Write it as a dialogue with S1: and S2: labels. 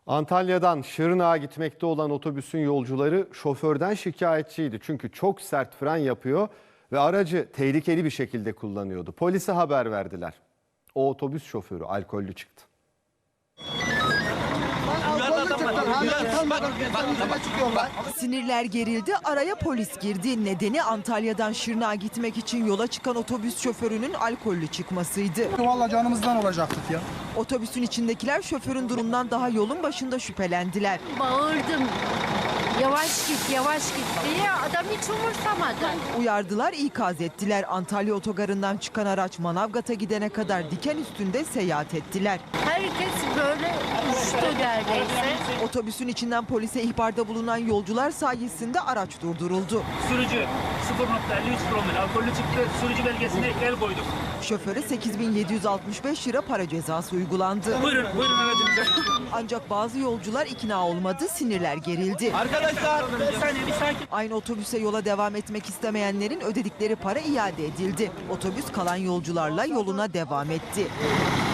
S1: Antalya'dan Şırnak'a gitmekte olan otobüsün yolcuları şoförden şikayetçiydi. Çünkü çok sert fren yapıyor ve aracı tehlikeli bir şekilde kullanıyordu. Polise haber verdiler. O otobüs şoförü alkollü çıktı.
S2: Sinirler gerildi, araya polis girdi. Nedeni Antalya'dan Şırnak'a gitmek için yola çıkan otobüs şoförünün alkollü çıkmasıydı.
S3: Vallahi canımızdan olacaktık ya.
S2: Otobüsün içindekiler şoförün durumundan daha yolun başında şüphelendiler.
S4: Bağırdım. Yavaş git, yavaş git diye adam hiç umursamadı.
S2: Uyardılar, ikaz ettiler. Antalya otogarından çıkan araç Manavgat'a gidene kadar diken üstünde seyahat ettiler.
S4: Herkes böyle uçtu neredeyse.
S2: Otobüsün içinden polise ihbarda bulunan yolcular sayesinde araç durduruldu.
S5: Sürücü 0.53 promil alkollü çıktı. Sürücü belgesine el koyduk.
S2: Şoföre 8.765 lira para cezası uygulandı.
S5: Buyurun aracınıza.
S2: Ancak bazı yolcular ikna olmadı, sinirler gerildi.
S5: Arkadaşlar bir saniye bir sakin.
S2: Aynı otobüse yola devam etmek istemeyenlerin ödedikleri para iade edildi. Otobüs kalan yolcularla yoluna devam etti.